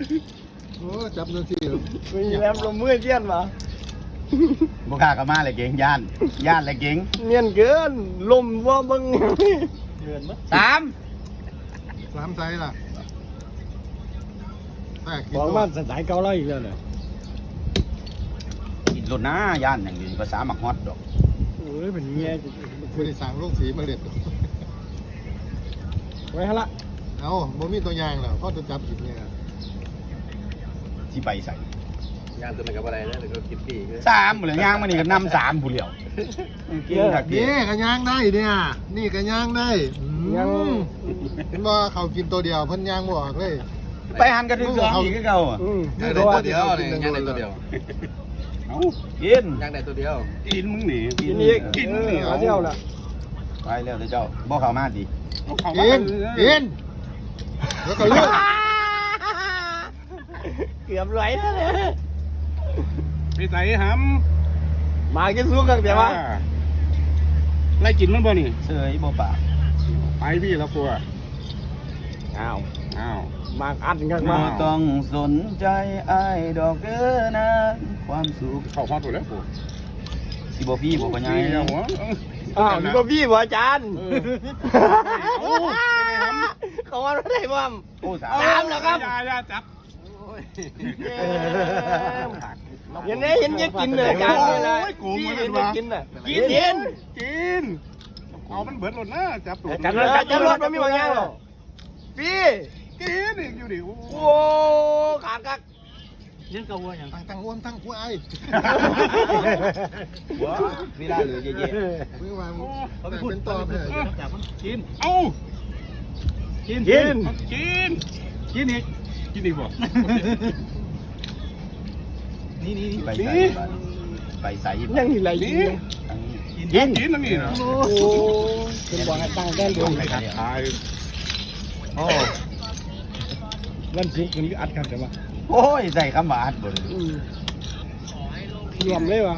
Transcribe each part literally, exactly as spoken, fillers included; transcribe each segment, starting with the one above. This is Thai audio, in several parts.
โอ้จับนาทีมีแรมลมมือเจียนมาบุกล้ากับมาเลยเก่งย่านย่านเลยเก่งเนียนเกินลมว่ามึงเกินมั้ยสามสามไซส์ล่ะแปลกบอกว่าสไตล์เกาหลีอีกแล้วเนี่ยกินรถนะย่านอย่างนี้ภาษาหมักฮอตดอกโอ้ยเป็นเงี้ยไม่ได้สั่งลูกสีมาเด็ดไว้ฮะละเอาบ่มีตัวอย่างแล้วพ่อจะจับผิดเนี่ยที่ไปใส่งานตัวนั้นกับอะไรนะหรือก็คิดปีกสามเหลือย่างมานี่ก็นำสามผู้เหลียวเก่งถักเดีนี่กันย่างได้เนี่ยนี่กันย่างได้ยังเห็นว่าเขากินตัวเดียวเพิ่นย่างบ่ออกเลยไปหันกันถึงสองอีกก็เก่าอ่ะอืมย่างได้ตัวเดียวเลยย่างได้ตัวเดียวเอากินย่างได้ตัวเดียวกินมึงหนีกินอีกกินเอมึงอหนีเอาเที่ยวละไปเร็วเจ้าบ่เข้ามาดิกินกินแล้วก็เลือกเกือบไหลแล้วเนี่ยไปใส่หมากินซุกกันำเดี๋ยววะไล่กินมันบ่นี่เสยบ่ปากไปพี่แล้วกลัวอ้าวอ้าวมาอัดกันบ่มาต้องสนใจอ้ายดอกเด้อนะความสุขเข้าฮอตหมดแล้วกูสิบ่พี่บ่ปัญญาพี่เอาหัวอ้าวนี่ก็พี่บ่อาจารย์โอ้ยเขาว่าไม่ได้บ้างโอ้สาตามเหรอครับยาอยาจับเห็นไหมเห็นยังกินเลยอาจารย์เลยนะพี่เห็นยังกินน่ะกินกินกินเอามันเบิดหมดนะจับตัวอาจารย์อาจารย์รถมันมีบางอย่างหรอพี่กินอีกอยู่ดิโอ้โอ้ขากักยังกระวัวอย่างตั้งตั้งอ้วนตั้งควายว้าเวลาเหลือเยอะเมื่อวานแต่เป็นตอบเลยกินเอ้ากินกินกินกินอีกกินอีกบ่นี่นี่ไปใส่ไปใส่ยังอีไรกินกินกินนั่นนี่นะโอ้เป็นบ่อตั้งแก้มดวงไปทายโอ้วันศุกร์มันอัดกันแต่ว่าโอ้ยใส่คำว่าอัดบ่รวมเลยวะ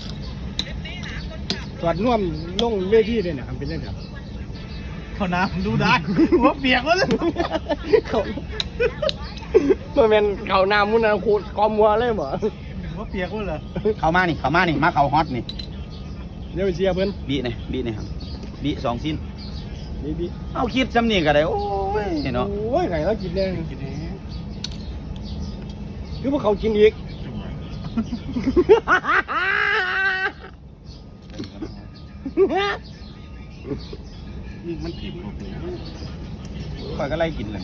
ตรวจน่วมลงเวทีเลยนะครับเป็นเรื่องครับเขาน้ำดูได้หัวเปียกแล้วเขาเมื่อเป็นเขาน้ำมุนนะขูดกอมัวเลยบ่หัวเปียกแล้วเหรอเข้ามานี่เข้ามานี่มาเข้าฮอตนี่เดี๋ยวเชียร์เพิ่นบีนี่บีนี่ครับบีสองสิ้นดีดีเอาคิดสำนีก็ได้โอ้ยเนาะโอ้ยไงเรากินแดงคือพวกเขากินอีกมันอิ่มข่อยก็ไล่กินเลย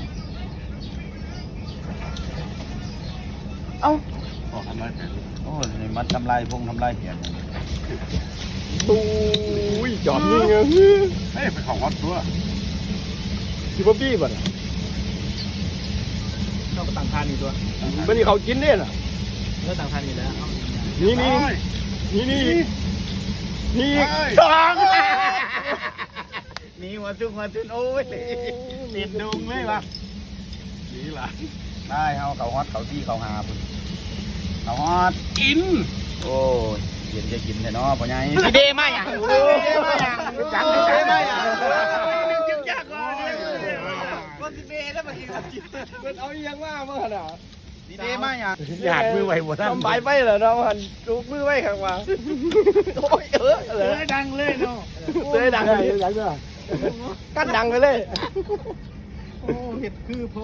เอ้าขอทำไรแผนโอ้ยมันทำลายพงทำลายเหียนตู้ยจอดยิงเลยเฮ้ยไปของฮอตตัวสิบปี้บ่ะต้องต่างทานอีกตัวมันนี่เขากินเนี่ยน่ะเมื่อต่างทานอีกแล้วนี่นี่นี่นี่นี่สองมีหัวจุกหัวจุนโอ้ยติดดุงเลยวะนี่ล่ะได้เอาเขาฮอตเขาที่เขาหาพุ่นเขาฮอตกินโอ้ยเย็นจะกินแต่เนาะพ่อใหญ่พี่เดมาอย่างพี่เดมาอย่างจังพี่เดมาอย่างก็สิเบ้แล้วมากินกับจิตมันเอาอย่างว่าเมื่อน่ะพี่เดมาอย่างอยากมือไหวหมดทำใบไปเหรอเนาะมันจูบมือไหวข้างว่าโอ้ยเออเลเลย ยดังเลยเนาะเลยดังเลยดังเลยกั้นดังไปเลยโอ้เห็ดคือโพ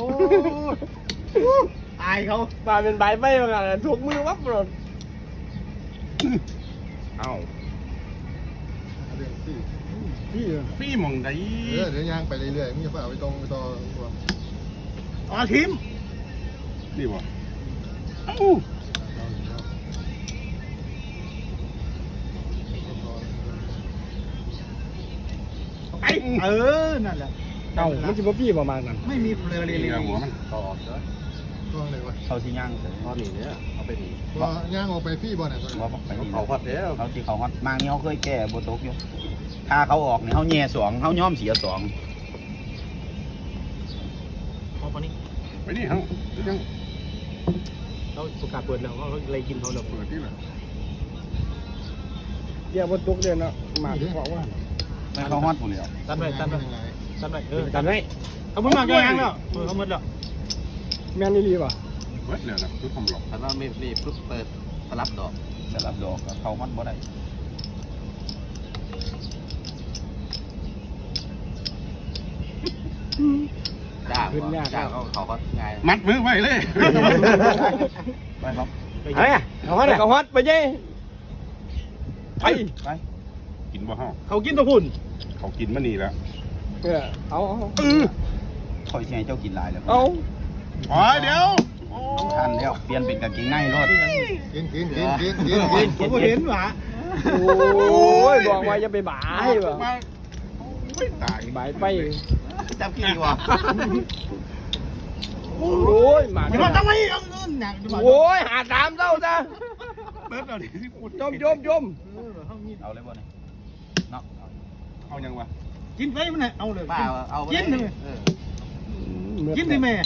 อายเขามาเป็นใบไปมากันถูกมือวับหมดเอ้าเรื่องที่พี่พี่มองได้เออเดี๋ยวย่างไปเรื่อยๆมึงจะไปเอาไปตรงไปต่ออ๋อทิมนี่บ่เอ้าไปเออนั่นแหละเอ้ามันจะมาพี่ประมาณนั้นไม่มีเฟลอเลยนี่หัวมันต่อเด้อก็เลยวะเขาที่ย่างเลยตอนนี้เนี่ยเอาไปดีก็ย่างออกไปฟี่บ่อเนี่ยว่าบอกไปนี่เขาพัดแล้วเขาที่เขาฮอตมางนี่เขาเคยแก้โบตกอยู่ถ้าเขาออกเนี่ยเขาแย่สองเขาย้อมเสียสองพอปนี้ไปนี่เฮ้ายังเราประกาศเปิดแล้วเขาเลยกินเขาแล้วเปิดที่ละเดี๋ยวบนตุกเดียวนะมาที่บอกว่าไม่เขาฮอตผู้เดียวตัดไปตัดไปตัดไปเออกันไหมเอาเพิ่งมาแกงแล้วเออเขาหมดแล้วแม่นนี่ดีป่ะแเบิดเลยนะคือทำหลอกถ้าเราไม่รีบปุ๊บเปิดสลับดอกสลับดอกเขาฮอตบ่ได้จ้าจ้าเขาเขาฮอตง่ายมัดมือไว้เลยไปครับไปไงเขาฮัดเขาฮัดไปยัยไปไปกินบ่ห้าเขากินตัวพุ่นเขากินมานี่แล้วเออเอาเอาคอยเชียร์เจ้ากินลายแล้วเอาอ๋อเดี๋ยวต้องทันแล้วเปลี่ยนเป็นกางเกงในรถกินกินกินกินกินกินผมก็เห็นหว่าโอ้ยบอกว่าจะไปบ่ายว่ะมาไม่ตายบ่ายไปจับกี่ดีกว่าโอ้ยหมาเดี๋ยวทำไมเอาเงินหนักโอ้ยหาตามเจ้าจ้ะเบิดเอาดิที่พูดจมจมจมเอาเลยบ่เนี่ยเนาะเอายังวะกินไปมันเอาเลยป้าเอากินเลยกินดิแม่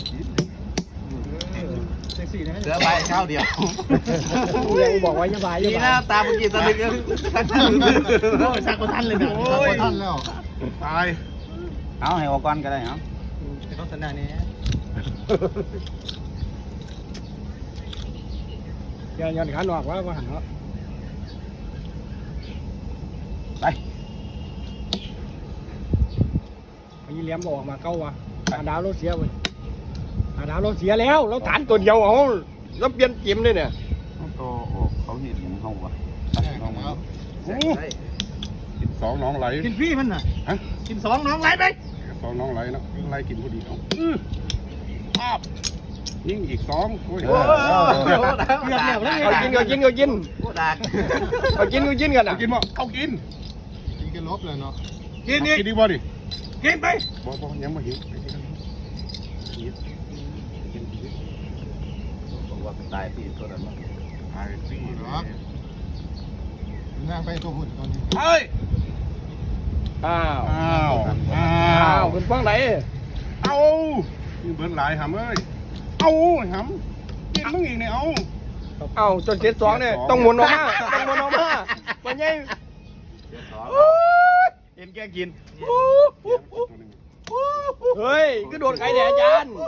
เซ็กซี่นะเสือใบข้าวเดียวยังบอกว่าจะบ่ายดีจะนะบ่ายตาเมื่อกี้ตาดึกยังโอ้ยสักคนทันเลยนะโอ้โอ้ยยท่านแล้วตายเอาให้ออกก่อนก็ได้เอาแต่เขาสันดานนี้ย้อนย้อนขาหนอกว่าว่าหันเนาะไปไอ้เลี้ยมบอกมาเก้าวะหาดาวเราเสียเว้ยหาดาวเราเสียแล้วเราฐานตัวเดียวเอาเราเปลี่ยนเกมเลยเนี่ยก็ออกเขาเห็นเฮาวะน้องแล้วกินสองน้องไหลกินฟรีมันน่ะฮะกินสองน้องไหลไปสองน้องไหลเนาะไหลกินพอดีเอาภาพยิ่งอีกสองโอ้ยเกือบแล้วแล้วเอากินเอากินเอากินโคตรดักเอากินเอากินกันเอานะกินบ่เอากินกินกินลบเลยเนาะกินนี่กินดีบ่ดิกินไปบ่บ่ยังบ่หิวหิวกินกินบอกว่าตายที่ตัวนั้นตายสินั่งไปตัวหุ่นตอนนี้เฮ้ยอ้าวอ้าวอ้าอ้าววคุณฟังไหนเอานี่เบิดหลายหำเอ้ยเอาหำกินมึงอีกเนี่ยเอาอ้าวจนเจ็ดสองเนี่ยต้องหมุนออกมาต้องหมุนออกมาวันนี้เห็นแกกินเฮ้ยก็โดนใครแดดอาจารย์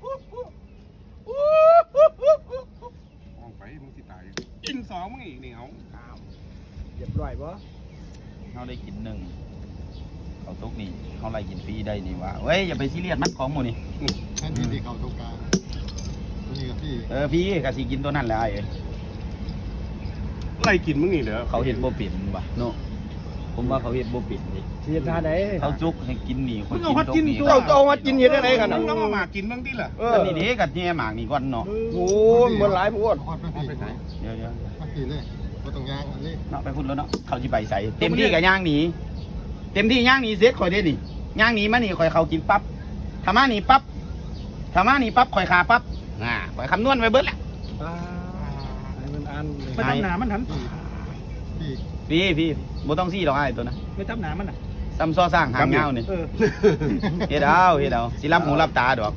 มองไปมึงสิตายกินสองมึงอีกเนี่ยเอาเรียบร้อยปะเขาได้กินหนึ่งเขาตุกนี่เขาไล่กินฟรีได้นี่วะเว้ยอย่าไปซีเรียสมันของหมูนี่แทนที่ที่เขาตรงกลางตัวนี้กับที่เออฟรีก็สิกินตัวนั้นแหละไอ้ไล่กินมึงอีกเหรอเขาเห็นโบปิ่นวะเนาะผมว่าเขาเห็นโบปิ่นดิเสียท่าไหนเขาจุกให้กินนี่คนกินตุกนี่เจ้าเอามากินเห็นอะไรกันมึนะงต้องเอามากินบ้างดิล่ะเออก็นี่เด็กกับเนี่ยหมากนี่ก่อนเนาะโอ้เหมือนหลายพวดคอดมันสีเดี๋ยวเดี๋ยวมันสีเลยก็ต้องยางอันนี้เนาะไปพุ่นแล้วเนาะเขาจะไปใส่เต็มที่กับย่างหนีเต็มที่ย่างหนีเซ็ตคอยได้นี่ย่างหนีมานี่คอยเขากินปั๊บทำมานี่ปั๊บทำมานี่ปั๊บคอยขาปั๊บอ่าคอยคำนวณไว้เบิดแหละอ่าให้มันอันเลยไม่ตับหนามันหันที่พี่พี่บ่ต้องซี่หรอกไอ้ตัวนะไม่ตับหนามันอ่ะซ้ำซ้อสร้างหางเงานี่เออเฮ็ดเอาเฮ็ดเอาสิรับหูรับตาดอก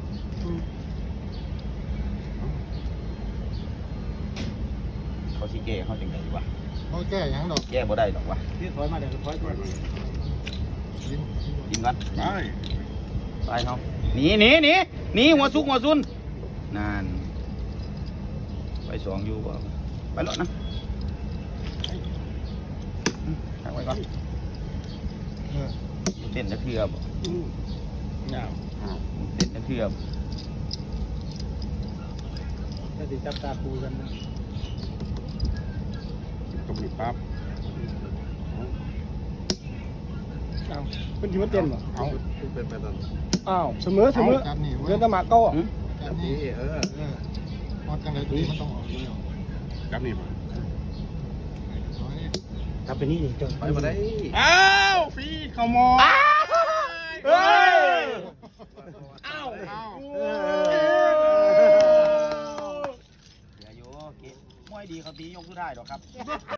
เขาสิแก้เขาจังไดวะเขาแก้ยังดอกแก้บ่ได้หรอกวะที่ถอยมาเดี๋ยวถอยไปไปกินกินก่อนไปไปเขาหนีหนีหนีหนีหัวซุกหัวซุนนั่นไปสองอยู่บ่ไปแล้วนะตั้งไว้ก่อนเออเต้นจะเทือบอ้าวเต้นจะเทือบถ้าติดจับตาปูกันนะตบหนีปั๊บอ้าวเป็นที่มันเต้นป่ะเอาอ้าวเสมอเสมอจับนี่เว้เรืยอตะหมากเก้าจับนี่เออเออคอดกันเลยตัวนี้มันต้องออกเลยจับนี่ป่ะทำเป็นนี่จนไปมาได้อ้าวฟีเขามองเฮ้ยอ้าวอ้าวเหลืออยู่โอเคมวยดีเขาตียกสู้ได้หรอกครับ